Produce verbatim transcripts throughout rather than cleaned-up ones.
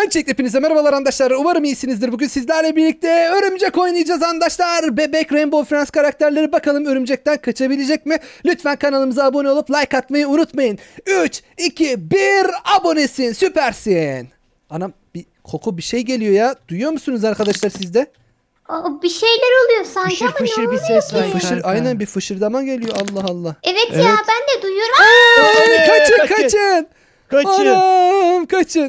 Öncelikle hepinize merhabalar arkadaşlar. Umarım iyisinizdir. Bugün sizlerle birlikte örümcek oynayacağız arkadaşlar. Bebek Rainbow Friends karakterleri, bakalım örümcekten kaçabilecek mi? Lütfen kanalımıza abone olup like atmayı unutmayın. üç, iki, bir abonesin. Süpersin. Anam bir koku bir şey geliyor ya. Duyuyor musunuz arkadaşlar sizde? Aa, bir şeyler oluyor sanki Fışır ama ne fışır bir oluyor ses ki? var. Fışır, kanka. aynen bir fışırdama geliyor. Allah Allah. Evet, Evet. ya ben de duyuyorum. Ay, kaçın kaçın. kaçın. Kaçın. Anam kaçın.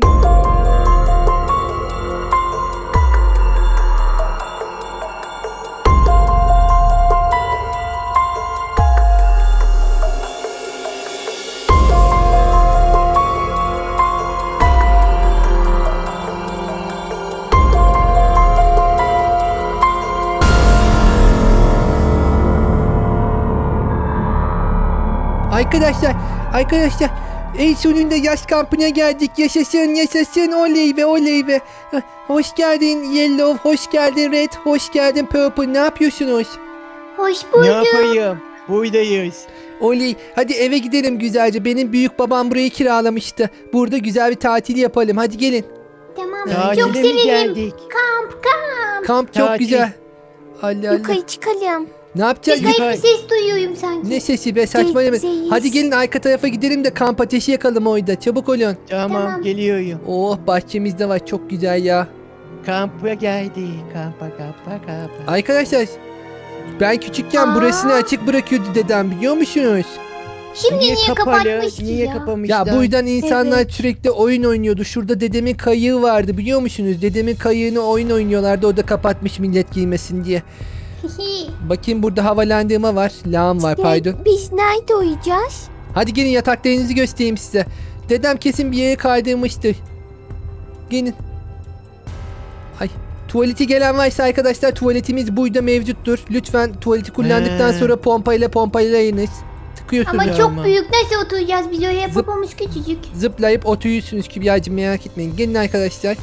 Arkadaşlar, arkadaşlar en sonunda yaz kampına geldik. Yaşasın, yaşasın, oley be, oley be. Hah, hoş geldin Yellow, hoş geldin Red, hoş geldin Purple. Ne yapıyorsunuz? Hoş Ne bulduk. yapayım? Buradayız. Oley, hadi eve gidelim güzelce. Benim büyük babam burayı kiralamıştı. Burada güzel bir tatil yapalım. Hadi gelin. Tamam, Tatile çok mi sevindim. geldik? Kamp kamp. Kamp çok Tatil. güzel. Allah Allah. Yukarı çıkalım. Ne yapacağız? Bir garip Yukarı- bir ses duyuyorum sanki. Ne sesi be, saçmalama. Gezeceğiz. Hadi gelin arka tarafa gidelim de kamp ateşi yakalım orada. Çabuk olun. Tamam, Tamam. geliyorum. Oh, bahçemizde var, çok güzel ya. Kampa geldik. Kampa kampa kampa. Arkadaşlar, ben küçükken Aa. burasını açık bırakıyordu dedem, biliyor musunuz? Şimdi niye, kapatmış ki Niye ya? kapamışlar? Ya bu yüzden insanlar Evet. sürekli oyun oynuyordu. Şurada dedemin kayığı vardı, biliyor musunuz? Dedemin kayığını oyun oynuyorlardı. O da kapatmış millet giymesin diye. Bakayım, burada havalandırma var. Lağım var, İşte pardon. Biz nerede uyuyacağız? Hadi gelin, yataklarınızı göstereyim size. Dedem kesin bir yere kaydırmıştır. Gelin. Ay, tuvaleti gelen varsa arkadaşlar, tuvaletimiz burada mevcuttur. Lütfen tuvaleti kullandıktan He. sonra pompayla pompalayınız. Tıkıyorsunuz. Ama Ya çok ama. büyük, nasıl oturacağız biz oraya? Zıp. Babamız küçücük. Zıplayıp oturuyorsunuz Kübra'cığım, merak etmeyin. Gelin arkadaşlar.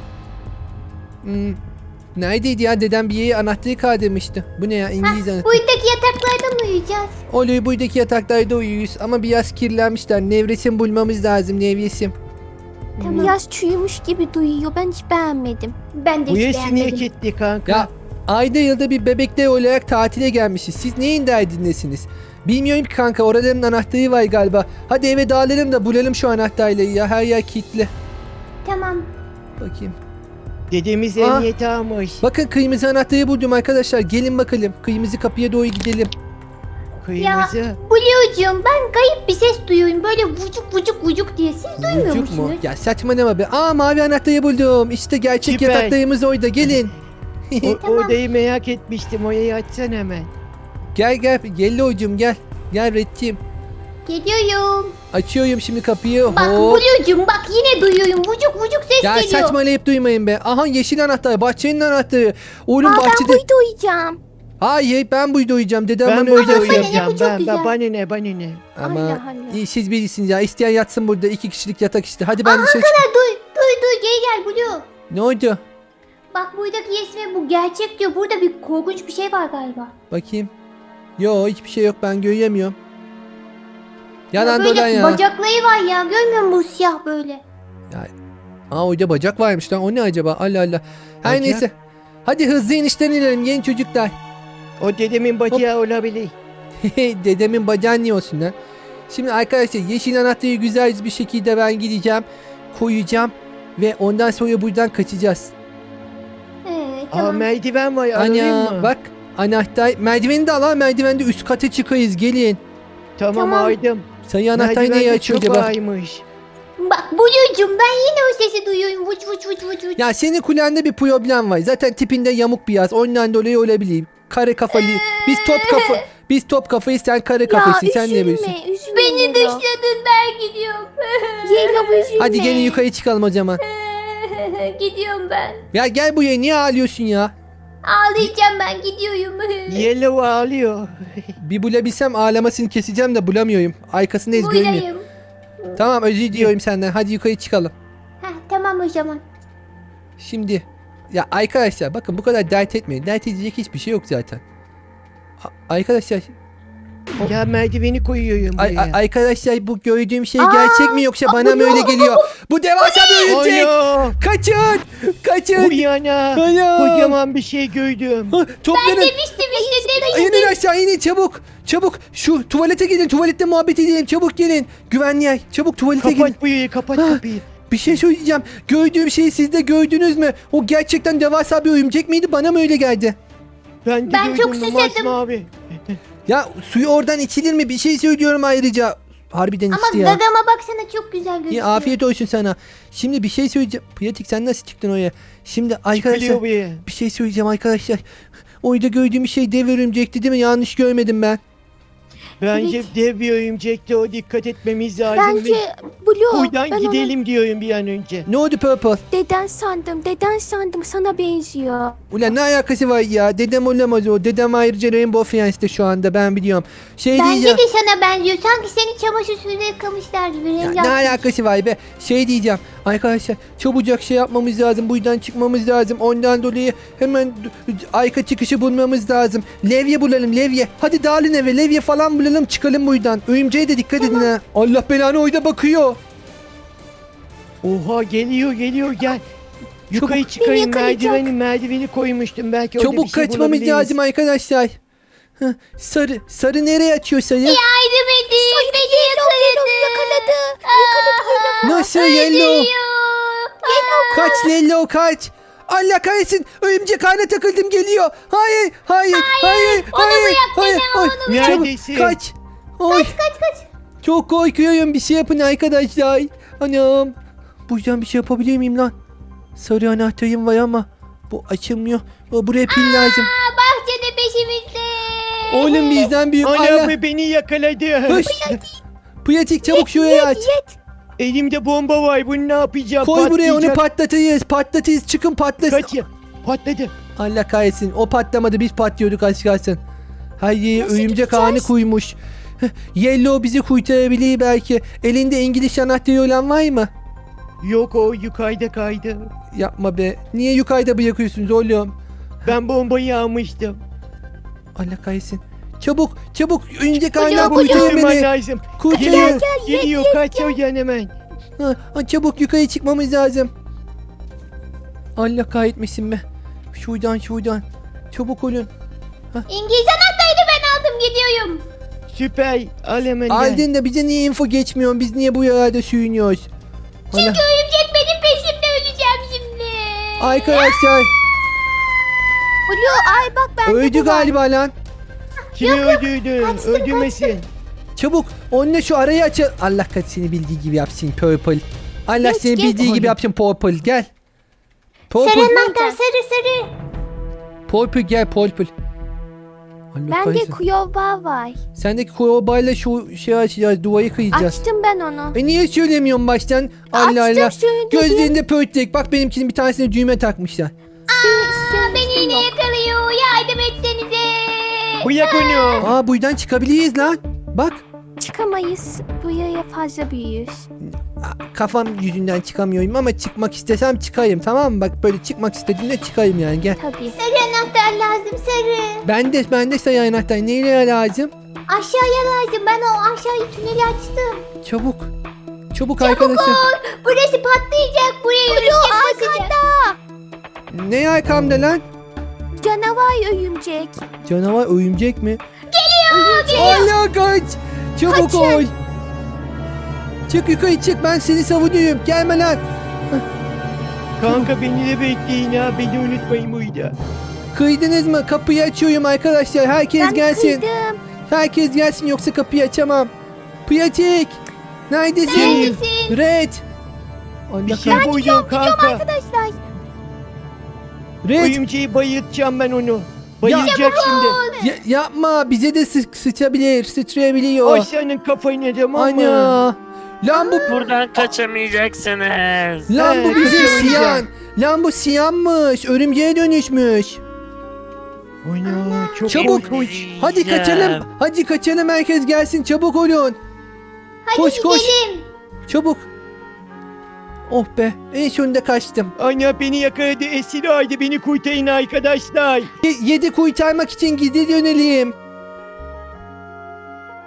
Hmm. Neredeydi ya? Dedem bir yere anahtarı kaydırmıştı. Bu ne ya? İngiliz anahtarı. Buradaki yataklarda mı uyuyacağız? Oluyor, buradaki yataklarda uyuyoruz. Ama biraz kirlenmişler. Nevresim bulmamız lazım. Nevresim. Tamam. Biraz çürümüş gibi duyuyor. Ben hiç beğenmedim. Ben de Bu hiç yaşı niye beğenmedim. gitti kanka? Ya ayda yılda bir bebekler olarak tatile gelmişiz. Siz neyin derdindesiniz? Bilmiyorum ki kanka, oraların anahtarı var galiba. Hadi eve dağılalım da bulalım şu anahtarları ya. Her yer kilitli. Tamam. Bakayım. Dedemiz Aa. emniyete almış. Bakın, kırmızı anahtarı buldum arkadaşlar. Gelin bakalım. Kırmızı kapıya doğru gidelim. Kırmızı. Blue'cum, ben garip bir ses duyuyorum. Böyle vucuk vucuk vucuk diye. Siz duymuyor Çocuk musunuz? mu? Ya saçmalama be. Aa, mavi anahtarı buldum. İşte gerçek Süper. yataklarımız orada. Gelin. O, Tamam. Odayı merak etmiştim. Orayı açsan hemen. Gel gel. Yellow'cum gel. Gel Red'ciğim. Geliyorum. Açıyorum şimdi kapıyı. Bak Hop. Blue'cum, bak yine duyuyorum. Vucuk vucuk ses Ya geliyor. saçmalayıp duymayın be. Aha, yeşil anahtar. Bahçenin anahtarı. Oğlum Aa, ben bahçede. burada uyuyacağım. Hayır, ben burada uyuyacağım. Dedem Ben bana burada öyle uyuyacağım. söyledi. uyuyacağım. Bu çok Ben, güzel. ben, bana ne bana ne? Ama Allah Allah. iyi, siz birisiniz ya. İsteyen yatsın burada. İki kişilik yatak işte. Hadi ben dışarı çık. Ha, duy duy duy, gel gel Blue. Ne oldu? Bak buradaki resmi, bu gerçek diyor. Burada bir korkunç bir şey var galiba. Bakayım. Yo, hiçbir şey yok. Ben göremiyorum. Yalan Ya böyle dolan ya. bacakları var ya. Görmüyor musun bu siyah böyle? Aa, orada bacak varmış lan. O ne acaba? Allah Allah. Her Bacak? neyse. Hadi hızlı inişten inelim yeni çocuklar. O dedemin bacağı olabilir. Dedemin bacağı niye olsun lan? Şimdi arkadaşlar, yeşil anahtarı güzel bir şekilde ben gideceğim. Koyacağım. Ve ondan sonra buradan kaçacağız. Evet, Aa, tamam. merdiven var. Alayım Ana mı? bak. Anahtar. Merdiveni de al ha. Merdivende üst kata çıkayız. Gelin. Tamam, Tamam. aldım. Sayı anahtar Merdiven neyi de açıyor çok acaba? ağırmış. Bak Blue'cum, ben yine o sesi duyuyorum. Vuç vuç vuç vuç vuç. Ya senin kulağında bir problem var. Zaten tipinde yamuk bir yaz. Ondan dolayı olabilir. Kare kafalı. Biz top kafa. Biz top kafayız, sen kare kafasın. Ya sen ne biliyorsun? üzülme, üzülme. Beni Yellow. dışladın, ben gidiyorum. Yellow üzülme. Hadi gelin yukarı çıkalım o zaman. Gidiyorum ben. Ya gel buraya, niye ağlıyorsun ya? Ağlayacağım, ben gidiyorum. Yellow ağlıyor. Bir bulabilsem ağlamasını keseceğim de bulamıyorum. Arkasındayız, görmüyor. Buradayım. Tamam, özür diliyorum senden. Hadi yukarı çıkalım. Heh, tamam o zaman. Şimdi ya arkadaşlar, bakın bu kadar dert etmeyin. Dert edecek hiçbir şey yok zaten. A- arkadaşlar Ya merdiveni koyuyorum Ay, buraya. ay- arkadaşlar bu gördüğüm şey gerçek mi yoksa bana mı öyle geliyor? Bu devasa bir örümcek. Ana! Kaçın. Kaçın. Uyana! Ana! Kocaman bir şey gördüm. Ha, Toplanın. Demiştim işte demiştim. İnin aşağı inin çabuk. Çabuk şu tuvalete gidin. Tuvalette muhabbet edelim. Çabuk gelin. Güvenli yer. Çabuk tuvalete gidin. Kapat burayı, kapat Ha. kapıyı. Bir şey söyleyeceğim. Gördüğüm şeyi siz de gördünüz mü? O gerçekten devasa bir örümcek miydi? Bana mı öyle geldi? Ben de Ben gördüm çok bu susadım. masmavi. Ya suyu oradan içilir mi? Bir şey söylüyorum ayrıca. Harbiden Ama içti ya. dadama baksana çok güzel gözüküyor. İyi, afiyet olsun sana. Şimdi bir şey söyleyeceğim. Pratik sen nasıl çıktın oraya? Şimdi arkadaşlar Çıkılıyor buraya. bir şey söyleyeceğim arkadaşlar. Orada gördüğüm şey dev örümcekti değil mi? Yanlış görmedim ben. Bence Evet. dev bir örümcekte o dikkat etmemiz lazım. Bence ve Blue. buradan ben gidelim diyorum bir an önce. Ne oldu Purple? onu deden sandım. Deden sandım sana benziyor. Ulan ne alakası var ya? Dedem olamaz o. Dedem ayrıca Rainbow Friends'te şu anda ben biliyorum. Şey Bence diyeceğim. de sana benziyor. Sanki seni çamaşır suyuyla yıkamışlar gibi. Ya Rengi ne atmış. alakası var be? Şey diyeceğim. Arkadaşlar çabucak şey yapmamız lazım. Buradan çıkmamız lazım. Ondan dolayı hemen d- d- arka çıkışı bulmamız lazım. Levye bulalım levye. Hadi dağılın eve. Levye falan bulalım çıkalım buradan. Örümceğe de dikkat edin ha. Allah belanı oyda bakıyor. Oha geliyor geliyor gel. Yukarı Çabuk. çıkayım, Beni yakalayacak. merdiveni merdiveni koymuştum, belki orada bir Çabuk şey kaçmamız bulabiliriz. lazım arkadaşlar. Heh, sarı. Sarı nereye açıyor sarı? Yardım edin. Beni yakaladı. Yakaladı. Yakaladı. Nasıl yellow? Öldürüyor. Kaç Lello kaç. Allah kahretsin. Örümcek ağına takıldım geliyor. Hayır hayır hayır onu hayır bırak hayır. beni, hayır. onu bırak. Çabuk, Neredesin? kaç. Oy. Kaç kaç. Çok korkuyorum, bir şey yapın arkadaşlar. Anam. Buradan bir şey yapabilir miyim lan? Sarı anahtarım var ama bu açılmıyor. O, buraya pil lazım. Aa, bahçede peşimizde. Oğlum bizden büyük. Ana Allah. be, beni yakaladı. Hış. Pratik çabuk şuraya aç. Elimde bomba var, bunu ne yapacağım? Koy buraya, onu Patlayacak. patlatırız. Patlatırız, çıkın patlasın. Kaç ya. Patladı. Allah kahretsin. O patlamadı, biz patlıyorduk az kalsın. Hayır, Nasıl örümcek gideceğiz? ağını koymuş. Heh, Yellow bizi kurtarabilir belki. Elinde İngiliz anahtarı olan var mı? Yok, o yukarıda kaydı. Yapma be. Niye yukarıda bırakıyorsunuz oğlum? Ben bombayı almıştım. Allah kahretsin. Çabuk çabuk örümcek Blue, ağından Blue. kurtarın Kurtarman beni. lazım. Kurtarın. Geliyor, geliyor, kaç oradan hemen. Ha, ha, çabuk yukarı çıkmamız lazım. Allah kahretmesin be. Şuradan şuradan. Çabuk olun. İngiliz anahtarını ben aldım gidiyorum. Süper, al hemen gel. Aldın da bize niye info geçmiyor? Biz niye bu yerde sürünüyoruz? Allah. Çünkü örümcek benim peşimde, öleceğim şimdi. Arkadaşlar Blue ay bak bende öldü bu var. galiba lan. Kimi öldürdün? Öldürmesin. Çabuk onunla şu arayı aç. Allah kat seni bildiği gibi yapsın Purple. Allah Geç, seni geç. bildiği gibi Hadi. yapsın Purple. Gel. Sarı Purple. anahtar, sarı sarı. Purple gel Purple. Allah Bende kahretsin. kuyova var. Sendeki koyobayla şu şey açacağız. Duayı kıyacağız. Açtım ben onu. E niye söylemiyorsun baştan? Allah Açtım Allah. söyledim. Gözlerinde pörtlek. Bak benimkinin bir tanesine düğme takmışlar. Aa, beni yine yakalıyor. Yardım etsenize. Bırak onu. Aa buradan çıkabiliriz lan. Bak. Çıkamayız. Buraya fazla büyüyüz. Aa, kafam yüzünden çıkamıyorum ama çıkmak istesem çıkayım, tamam mı? Bak böyle çıkmak istediğimde çıkayım yani, gel. Tabii. Sarı anahtar lazım, sarı. Ben de ben de sayı anahtar. Neyle lazım? Aşağıya lazım. Ben o aşağıyı tüneli açtım. Çabuk. Çabuk arkadaşlar. Burası patlayacak. Buraya örümcek basacak. Ne arkamda lan? Canavar örümcek. Canavar örümcek mi? Geliyor. Allah kaç. Çabuk Kaçın. ol. Çık yukarı çık, ben seni savunuyorum. Gelme lan. Kanka beni de bekleyin ha. Beni unutmayın burada. Kıydınız mı? Kapıyı açıyorum arkadaşlar. Herkes Ben gelsin. kıydım. Herkes gelsin yoksa kapıyı açamam. Pratik. Neredesin? Neredesin? Red. Allah Bir şey kahretsin. koyuyorum kanka. Arkadaşlar Red. Oyuncuyu bayıltacağım ben onu. Bayılacak şimdi. Ya- yapma, bize de sı sıçabilir, sıçrayabiliyor. Ay senin kafayı tamam mı? Ana. Lan bu Buradan kaçamayacaksınız. lan bu He, bizim kaçamayacağım. siyan. Lan bu siyanmış. Örümceğe dönüşmüş. Ana çok Çabuk. korkunç. Hadi kaçalım. Hadi kaçalım, herkes gelsin. Çabuk olun. Hadi Koş, koş. gidelim. Çabuk. Oh be. En sonunda kaçtım. Ana beni yakaladı, esir aldı, beni kurtarın arkadaşlar. Ye- yedi kurtarmak için gidi dönelim.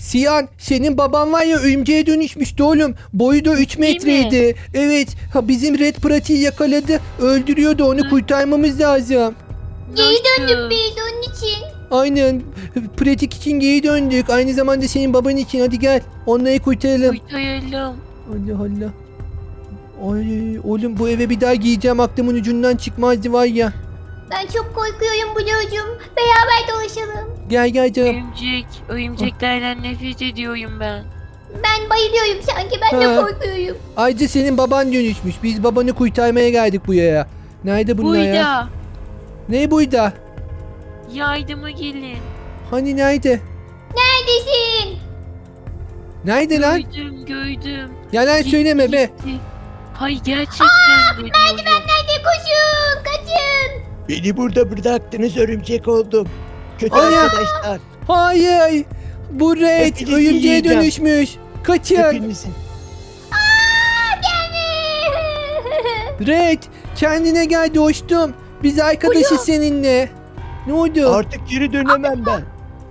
Siyan, senin baban var ya örümceğe dönüşmüştü oğlum. Boyu da üç metreydi. Evet. Ha, bizim Red pratiği yakaladı. Öldürüyordu, onu kurtarmamız lazım. Geri döndük Nasıl? biz onun için. Aynen. Pratik için geri döndük. Aynı zamanda senin baban için. Hadi gel. Onları kurtaralım. Kurtaralım. Allah Allah. Ay oğlum, bu eve bir daha giyeceğim, aklımın ucundan çıkmazdı var ya. Ben çok korkuyorum Blue'cum. Beraber dolaşalım. Gel gel canım. Örümcek. Örümceklerden nefret ediyorum ben. Ben bayılıyorum sanki, ben de Ha. korkuyorum. Ayrıca senin baban dönüşmüş. Biz babanı kurtarmaya geldik buraya. Nerede bunlar ya? Burada. Ne buydu? Yardıma gelin. Hani nerede? Neredesin? Nerede lan? Gördüm gördüm. Yalan söyleme be. Gitti. Hayır gerçekten de diyorum. Hadi koşun, kaçın. Beni burada bıraktınız, örümcek oldum. Kötü Ana! arkadaşlar. Hayır. Bu Red Hepinizi örümceğe yiyeceğim. dönüşmüş. Kaçın. Hepinizin. Red kendine gel dostum. Biz arkadaşız seninle. Ne oldu? Artık geri dönemem ben.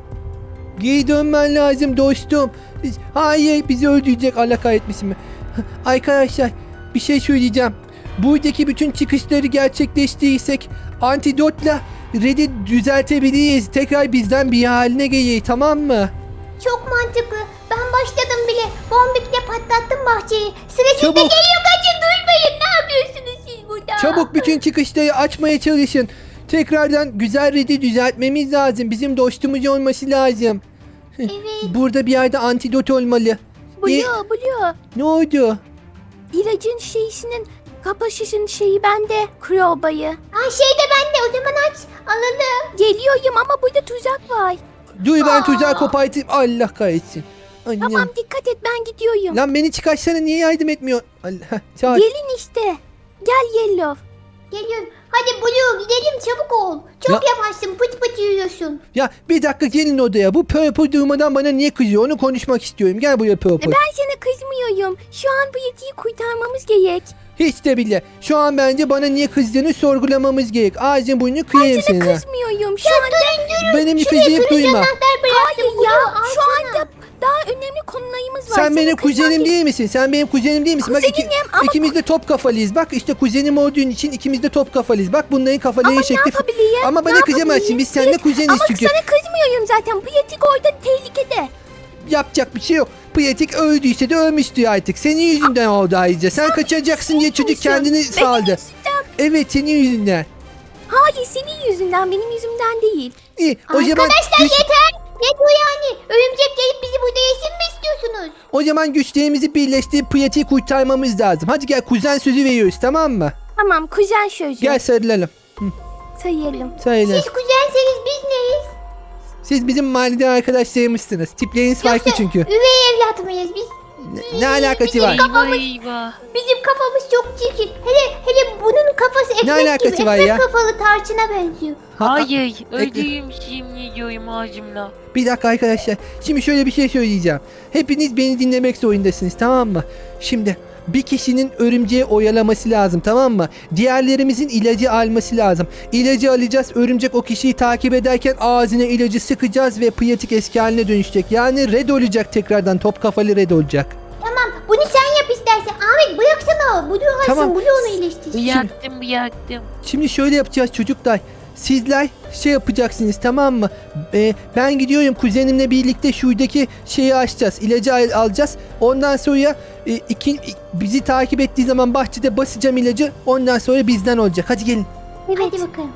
Geri dönmen lazım dostum. Biz- Hayır, bizi öldürecek, Allah kahretmesin mi? Arkadaşlar, bir şey söyleyeceğim. Buradaki bütün çıkışları gerçekleştirirsek antidotla Red'i düzeltebiliriz. Tekrar bizden bir haline gelir, tamam mı? Çok mantıklı. Ben başladım bile. Bombikle patlattım bahçeyi. Sıra sizde Çabuk. geliyor, kaçın, durmayın. Ne yapıyorsunuz siz burada? Çabuk bütün çıkışları açmaya çalışın. Tekrardan güzel Red'i düzeltmemiz lazım. Bizim dostumuz olması lazım. Evet. Burada bir yerde antidot olmalı. Blue, E, Blue. ne oldu? İlacın şeysinin kapasışın şeyi bende. Crowbayı. Ha şey de bende, o zaman aç. Anladım. Geliyorum ama burada tuzak var. Dur, ben Aa. tuzağı kopartayım. Allah kahretsin. Annem. Tamam, dikkat et, ben gidiyorum. Lan beni çıkarsana, niye yardım etmiyor? Allah. Sağ ol. Gelin işte. Gel Yellow. Geliyorum. Hadi Blue, gidelim, çabuk ol. Çok Ya- yavaşsın, pıt pıt yürüyorsun. Ya bir dakika, gelin odaya. Bu Purple durmadan bana niye kızıyor? Onu konuşmak istiyorum. Gel buraya Purple. Ben sana kızmıyorum. Şu an bu yetiyi kurtarmamız gerek. Hiç de bile. Şu an bence bana niye kızdığını sorgulamamız gerek. Ağzın burnunu kıyayım Sana seninle. kızmıyorum. Şu anda Benim kızıyıp duyma. Anahtar bıraktım hayır Blue, ya. al Şu sana. anda daha önemli konularımız var. Sen Sana benim kızmam kuzenim gerek. değil misin? Sen benim kuzenim değil misin? Bak iki, Kuzenim ama- ikimiz de top kafalıyız. Bak işte kuzenim olduğun için ikimiz de top kafalıyız. Bak bunların kafaları Ama ne şekli. yapabilirim? Ama bana Ne kızamazsın. yapabilirim? Biz seninle kuzeniz Ama çünkü. sana kızmıyorum zaten. Bu yetik orada tehlikede. Yapacak bir şey yok. Pratik öldüyse de ölmüştü artık. Senin yüzünden oldu ayrıca. Sen kaçacaksın diye çocuk kendini Benim saldı. yüzümden. Evet, senin yüzünden. Hayır, senin yüzünden, benim yüzümden değil. İyi, o zaman Arkadaşlar güç, yeter. Ne bu yani? Örümcek gelip bizi burada yesin mi istiyorsunuz? o zaman güçlerimizi birleştirip pratiği kurtarmamız lazım. Hadi gel, kuzen sözü veriyoruz, tamam mı? Tamam, kuzen sözü. Gel sarılalım. Sayalım. Söyle. Siz kuzenseniz biz neyiz? Siz bizim mahalleden arkadaşlarımızsınız. Tipleriniz farklı çünkü. Üvey evlat mıyız biz? Ne, ne alakası var? Eyvah eyvah. Bizim kafamız çok çirkin. Hele hele bunun kafası ekmek alakası gibi. var Ekmek ya? kafalı tarçına benziyor. Ha- Hayır. Öldüreyim şimdi diyorum ağzımla. Bir dakika arkadaşlar. Şimdi şöyle bir şey söyleyeceğim. Hepiniz beni dinlemek zorundasınız, tamam mı? Şimdi bir kişinin örümceği oyalaması lazım, tamam mı? Diğerlerimizin ilacı alması lazım. İlacı alacağız. Örümcek o kişiyi takip ederken ağzına ilacı sıkacağız ve pratik eski haline dönüşecek. Yani red olacak tekrardan. Top kafalı red olacak. Tamam, bunu sen yap istersen. Ahmet bıraksana. Blue alsın. Tamam. Blue onu iyileştirsin. Bıyaktım bıyaktım. Şimdi şöyle yapacağız çocuklar. Sizler şey yapacaksınız, tamam mı? Ee, ben gidiyorum kuzenimle birlikte şuradaki şeyi açacağız. İlacı al- alacağız. Ondan sonra e, iki, bizi takip ettiği zaman bahçede basacağım ilacı. Ondan sonra bizden olacak. Hadi gelin. Evet. Hadi bakalım.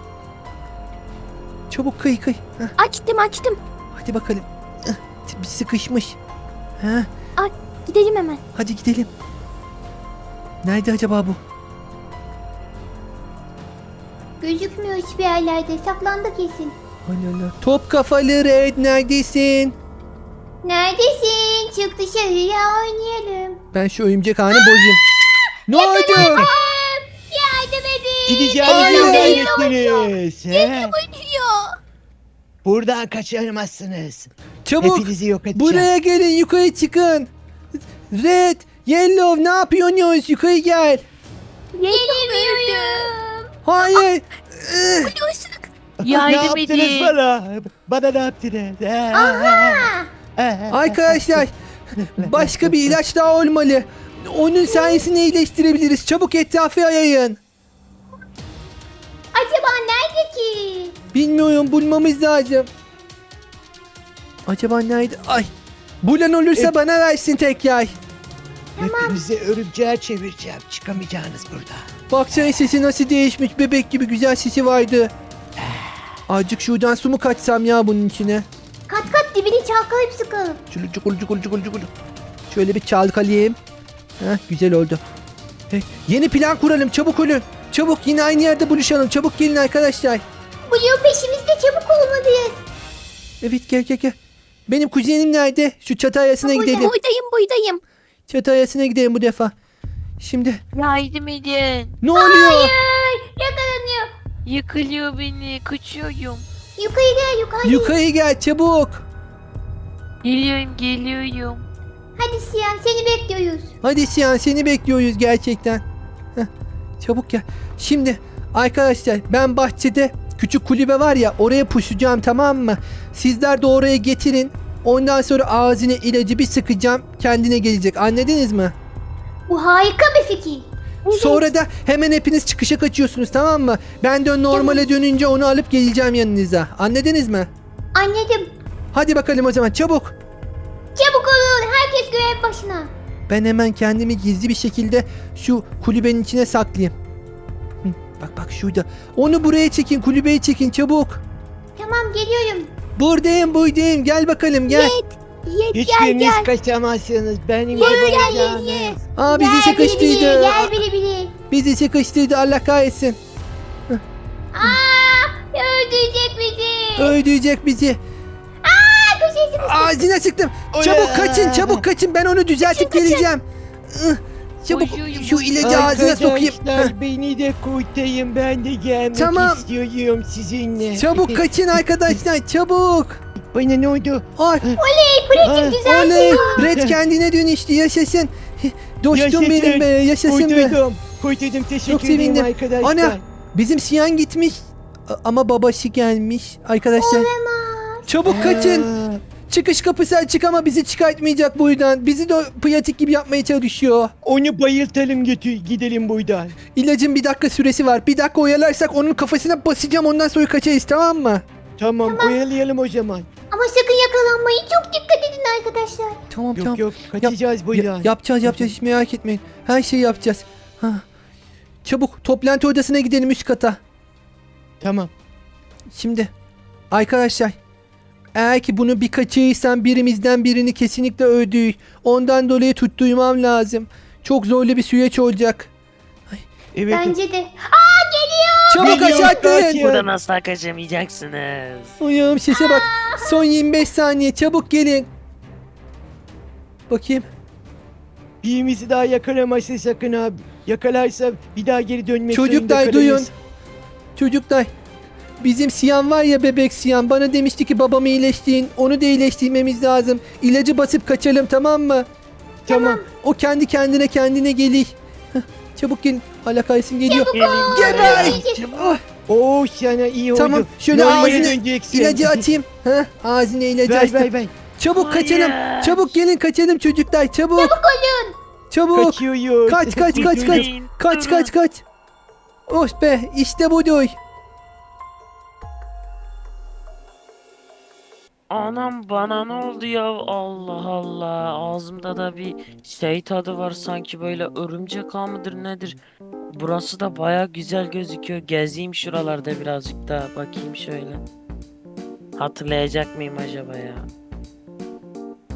Çabuk kıy kıy. Heh, Açtım açtım. hadi bakalım. Heh, bir sıkışmış. Heh, Gidelim hemen. hadi gidelim. Nerede acaba bu? Gözükmüyor hiçbir yerlerde. Saklandı kesin. Allah Allah. Top kafalı red, neredesin? Neredesin? Çık dışarıya oynayalım. Ben şu örümcek ağını bozayım. Ne oldu? Yardım edin. Gideceğiniz Hayır. yerden gittiniz. He? Oynuyor. Buradan kaçamazsınız. Çabuk. Hepinizi yok edeceğim. Buraya gelin, yukarı çıkın. Red, Yellow, ne yapıyorsunuz? Yukarı gel. Gelemiyorum. Hayır. Ih, Biliyorsun. Ne Yardım yaptınız edin. bana? Bana ne yaptınız? He? Aha. Arkadaşlar başka bir ilaç daha olmalı. Onun sayesinde iyileştirebiliriz. Çabuk etrafı yayın. Acaba nerede ki? Bilmiyorum, bulmamız lazım. Acaba nerede? Ay. Bulan olursa E- bana versin tekrar. Hepinizi örümceğe çevireceğim. Çıkamayacaksınız buradan. Baksana sesi nasıl değişmiş. Bebek gibi güzel sesi vardı. Azıcık şuradan su mu kaçsam ya bunun içine? Kat kat dibini çalkalayıp sıkalım. Çulu çukul çukul çukul çukul. Şöyle bir çalkalayayım. Heh, güzel oldu. Hey, yeni plan kuralım, çabuk olun. Çabuk, yine aynı yerde buluşalım. Çabuk gelin arkadaşlar. Blue peşimizde, çabuk olmalıyız. Evet, gel gel gel. Benim kuzenim nerede? Şu çatı ayasına Ha, burada. gidelim. Buradayım buradayım. Çatı ayasına gidelim bu defa. Şimdi Yardım edin. ne oluyor? Hayır, yakalanıyor. Yıkılıyor beni. Kaçıyorum. Yukarı gel, yukarı. Yukarı gel çabuk. Geliyorum geliyorum. Hadi Siyan, seni bekliyoruz. Hadi Siyan, seni bekliyoruz gerçekten. Heh, çabuk gel. Şimdi arkadaşlar, ben bahçede küçük kulübe var ya, oraya pusacağım, tamam mı? Sizler de oraya getirin. Ondan sonra ağzına ilacı bir sıkacağım, kendine gelecek. Anladınız mı? Bu harika bir fikir. Sonra da hemen hepiniz çıkışa kaçıyorsunuz, tamam mı? Ben de normale dönünce onu alıp geleceğim yanınıza. Anladınız mı? Anladım. Hadi bakalım o zaman, çabuk. Çabuk olun, herkes görev başına. Ben hemen kendimi gizli bir şekilde şu kulübenin içine saklayayım. Hı, bak bak şurada. Onu buraya çekin, kulübeyi çekin çabuk. Tamam, geliyorum. Buradayım buradayım, gel bakalım gel. Yet gel Hiçbiriniz gel. kaçamazsınız. Benim Gel, gel, yapamayacağınız. Aa, bizi Gel bili bili, sıkıştırdı. gel bili bili. Bizi sıkıştırdı, Allah kahretsin. Aa, öldürecek bizi. Öldürecek bizi. Aa, köşesi mi? Ağzına sıktım. Çabuk kaçın, çabuk kaçın, ben onu düzeltip geleceğim. Ih, Çabuk Koşuyorum. şu ilacı ağzına sokayım. Heh, Arkadaşlar beni de kurtarın. Ben de gelmek Tamam. istiyorum sizinle. çabuk kaçın arkadaşlar, çabuk. Bana ne oldu? Ay, Pratik güzel. oley. Red kendine dönüştü, yaşasın. Dostum Yaşasın. benim be, yaşasın be. Kurtuldum. Kurtuldum. Teşekkür Çok ederim sevindim. arkadaşlar. Ana, bizim Siyan gitmiş A- ama babası gelmiş arkadaşlar. Çabuk kaçın. Aa, Çıkış kapısı açık ama bizi çıkartmayacak buradan. Bizi de pratik gibi yapmaya çalışıyor. Onu bayıltalım, götür gidelim buradan. İlacın bir dakika süresi var. Bir dakika oyalarsak onun kafasına basacağım, ondan sonra kaçarız, tamam mı? Tamam, oyalayalım o zaman. Ama sakın yakalanmayın. Çok dikkat edin arkadaşlar. Tamam Yok tamam. yok, kaçacağız Ya- buradan. yapacağız yapacağız, hiç merak etmeyin. Her şeyi yapacağız. Ha. Çabuk toplantı odasına gidelim, üst kata. Tamam. Şimdi arkadaşlar, eğer ki bunu bir kaçırırsam birimizden birini kesinlikle öldürür. Ondan dolayı tutturmam lazım. Çok zorlu bir süreç olacak. Evet. Bence de. Aa, geliyor. Çabuk Geliyor, aşağı atlayın. kaçın. Buradan asla kaçamayacaksınız. Uyum, sese bak. Son yirmi beş saniye, çabuk gelin. Bakayım. Birimizi daha yakalamazsa sakın abi. Yakalarsa bir daha geri dönmek zorunda Çocuklar kalırız. duyun. Çocuklar. Bizim Siyan var ya, bebek Siyan. Bana demişti ki babamı iyileştirin. Onu da iyileştirmemiz lazım. İlacı basıp kaçalım, tamam mı? Tamam. O kendi kendine kendine gelir. Heh, çabuk gelin. Hala kaysın geliyor. Gelin Geber! buraya. Ah, Oo, sana iyi oldu. Tamam, şöyle Normale ağzını- döneceksin. ilacı atayım. Heh, ağzına ilacı Ver açtım. ver ver. Çabuk kaçalım. Hayır. Çabuk gelin, kaçalım çocuklar. Çabuk. Çabuk olun. Çabuk. Kaçıyoruz. Kaç kaç kaç kaç. Durun, Kaç durun. kaç kaç. Oh be, işte budur. Anam bana ne oldu ya? Allah Allah. Ağzımda da bir şey tadı var, sanki böyle örümcek ağı mıdır nedir? Burası da baya güzel gözüküyor. Gezeyim şuralarda birazcık daha. Bakayım şöyle. Hatırlayacak mıyım acaba ya?